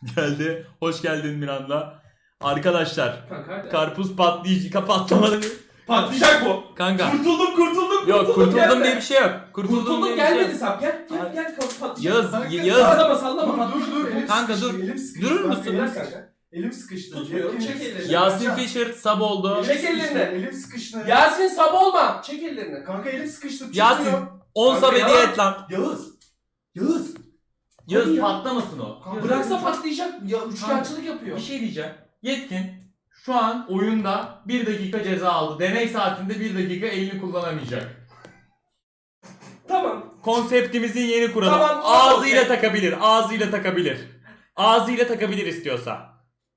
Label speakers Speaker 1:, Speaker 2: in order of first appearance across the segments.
Speaker 1: Geldi. Hoş geldin Miranda. Arkadaşlar.
Speaker 2: Kanka
Speaker 1: Karpuz patlayıcı patlamadı.
Speaker 2: patlayacak bu.
Speaker 1: Kanka.
Speaker 2: Kurtuldum.
Speaker 1: Yok kurtuldum
Speaker 2: gelme.
Speaker 1: diye bir şey yok.
Speaker 2: Kurtuldum
Speaker 1: diye bir şey
Speaker 2: gelmedi
Speaker 1: yok.
Speaker 2: sap gel patlayacak.
Speaker 1: Yağız,
Speaker 2: Kanka,
Speaker 1: Yağız.
Speaker 2: Sallama
Speaker 3: Dur. Elim
Speaker 1: Kanka,
Speaker 3: sıkıştı,
Speaker 1: dur.
Speaker 3: elim sıkıştı.
Speaker 1: Durur
Speaker 3: Bak,
Speaker 1: musun?
Speaker 3: Elim
Speaker 2: Bırak
Speaker 3: sıkıştı.
Speaker 2: kanka.
Speaker 3: Elim sıkıştı.
Speaker 2: Tutmuyorum,
Speaker 3: Elim
Speaker 2: çek
Speaker 3: sıkıştı.
Speaker 2: elini.
Speaker 1: Yasin Fisher sab oldu.
Speaker 3: Elim
Speaker 2: Çek
Speaker 3: sıkıştı,
Speaker 2: ellerini.
Speaker 3: Elim sıkıştı.
Speaker 2: Yasin sap olma. Çek ellerini.
Speaker 3: Kanka elim sıkıştı.
Speaker 1: Yasin
Speaker 3: çıkmıyor.
Speaker 1: 10
Speaker 2: Kanka
Speaker 1: sab
Speaker 2: ya.
Speaker 1: hediye et lan.
Speaker 3: Yağız.
Speaker 1: Yağız
Speaker 2: ya.
Speaker 1: patlamasın o.
Speaker 3: Kanka,
Speaker 2: Bıraksa patlayacak. Ya üçkağıtçılık yapıyor.
Speaker 1: Bir şey diyeceğim. Yetkin şu an oyunda 1 dakika ceza aldı. Deney saatinde 1 dakika elini kullanamayacak.
Speaker 2: Tamam.
Speaker 1: Konseptimizin yeni kuralı.
Speaker 2: Tamam,
Speaker 1: Ağzıyla
Speaker 2: okey.
Speaker 1: takabilir. Ağzıyla takabilir. Ağzıyla takabilir istiyorsa.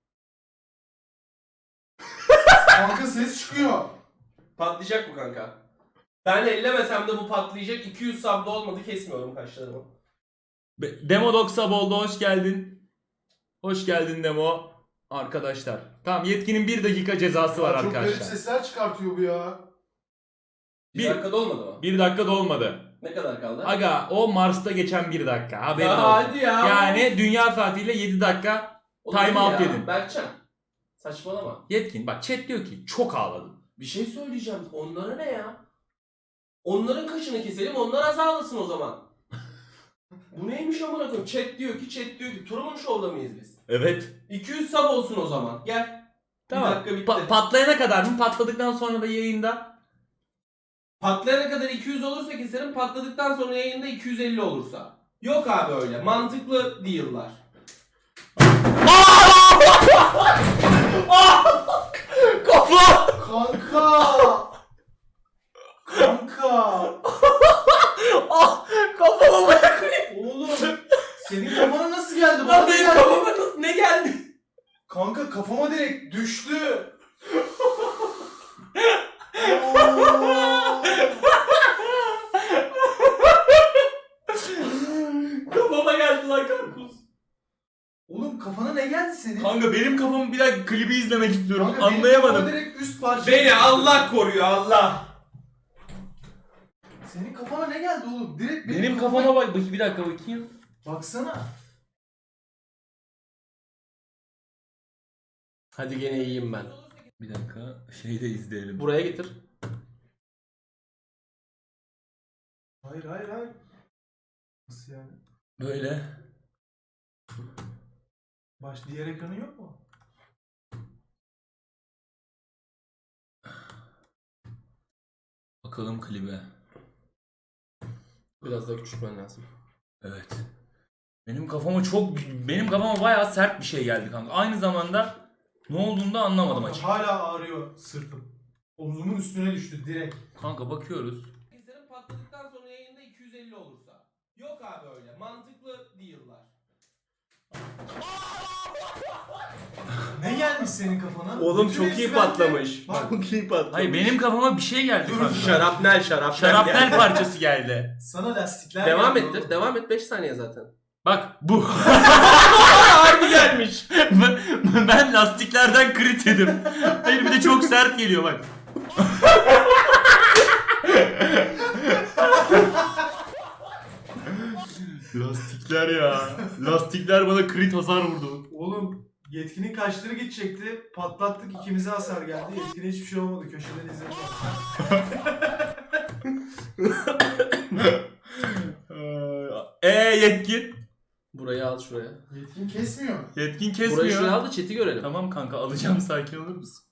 Speaker 3: Kanka ses çıkıyor.
Speaker 2: Patlayacak bu kanka. Ben ellemesem de bu patlayacak. 200 sabda olmadı kesmiyorum kaşlarımı.
Speaker 1: Demo Dog sab oldu. Hoş geldin. Hoş geldin Demo. Arkadaşlar. Tamam Yetkin'in 1 dakika cezası var
Speaker 3: Çok garip
Speaker 1: arkadaşlar.
Speaker 3: sesler çıkartıyor bu ya.
Speaker 2: Bir
Speaker 1: Bir-
Speaker 2: dakikada olmadı mı?
Speaker 1: 1 dakika da olmadı.
Speaker 2: Ne kadar kaldı?
Speaker 1: Aga o Mars'ta geçen 1 dakika. Haberin
Speaker 2: Ya
Speaker 1: olsun.
Speaker 2: hadi ya.
Speaker 1: Yani dünya saatiyle 7 dakika.
Speaker 2: Olabilir
Speaker 1: time out
Speaker 2: ya.
Speaker 1: dedin.
Speaker 2: Berkcan. Saçmalama.
Speaker 1: Yetkin bak chat diyor ki çok ağladım.
Speaker 2: Bir şey söyleyeceğim. Onlara ne ya? Onların kaşını keselim, onlar az ağlasın o zaman. Bu neymiş amına koyayım? Chat diyor ki Truman Show'da mıyız biz?
Speaker 1: Evet.
Speaker 2: 200 sub olsun o zaman. Gel.
Speaker 1: Tamam.
Speaker 2: Bir dakika bitti.
Speaker 1: Patlayana kadar mı? Patladıktan sonra da yayında.
Speaker 2: Patlayana kadar 200 olursa keserim, patladıktan sonra yayında 250 olursa. Yok abi öyle. Mantıklı değiller.
Speaker 1: Kafa!
Speaker 3: Kanka.
Speaker 1: Ah! Kafama bak!
Speaker 3: Oğlum. Senin kafana nasıl geldi?
Speaker 2: Lan
Speaker 3: Bana
Speaker 2: benim
Speaker 3: geldi.
Speaker 2: kafama ne geldi?
Speaker 3: Kanka kafama direkt düştü. Oo.
Speaker 2: Kafama geldi lan karpuz.
Speaker 3: Oğlum kafana ne geldi senin?
Speaker 1: Kanka benim kafamı bir dakika klibi izlemek istiyorum.
Speaker 3: Kanka, benim
Speaker 1: Anlayamadım.
Speaker 3: kafama direkt üst parça.
Speaker 2: Beni Allah koruyor Allah.
Speaker 3: Senin kafana ne geldi oğlum? Direkt
Speaker 1: Benim kafama bak. Bir dakika bakayım.
Speaker 3: Baksana.
Speaker 2: Hadi gene iyiyim ben.
Speaker 1: Bir dakika. Şeyi de izleyelim.
Speaker 2: Buraya getir.
Speaker 3: Hayır. Nasıl yani?
Speaker 1: Böyle.
Speaker 3: Diğer ekranı yok mu?
Speaker 1: Bakalım klibe.
Speaker 2: Biraz daha küçültmen lazım.
Speaker 1: Evet. Benim kafama bayağı sert bir şey geldi kanka. Aynı zamanda ne olduğunu da anlamadım
Speaker 3: Kanka,
Speaker 1: açık.
Speaker 3: hala ağrıyor sırtım. Omzumun üstüne düştü direkt.
Speaker 1: Kanka bakıyoruz.
Speaker 2: Keserim, patladıktan sonra yayında 250 olursa. Yok abi öyle. Mantıklı değiller.
Speaker 3: Ne gelmiş senin kafana?
Speaker 2: Oğlum
Speaker 3: Bütün
Speaker 2: çok
Speaker 3: hepsi
Speaker 2: iyi
Speaker 3: bende.
Speaker 2: patlamış.
Speaker 3: Bak,
Speaker 2: Çok iyi patlamış.
Speaker 1: Hayır benim kafama bir şey geldi kanka.
Speaker 2: Şarapnel
Speaker 1: Şarapnel parçası geldi.
Speaker 3: sana lastikler
Speaker 2: Devam
Speaker 3: geldi
Speaker 2: ettir.
Speaker 3: oğlum.
Speaker 2: Devam et 5 saniye zaten.
Speaker 1: Bak bu.
Speaker 2: Harbi gelmiş.
Speaker 1: Ben lastiklerden crit yedim. Hayır bir de çok sert geliyor bak. Lastikler ya. Lastikler bana crit hasar vurdu.
Speaker 3: Oğlum yetkinin kaşları gidecekti. Patlattık, ikimize hasar geldi. Yetkine hiçbir şey olmadı. Köşeden izledim.
Speaker 1: Yetkin.
Speaker 2: Burayı al şuraya.
Speaker 3: Yetkin kesmiyor.
Speaker 1: Yetkin
Speaker 2: Burayı şuraya
Speaker 1: kesmiyor.
Speaker 2: al da chat'i görelim.
Speaker 1: Tamam kanka alacağım, sakin olur musun?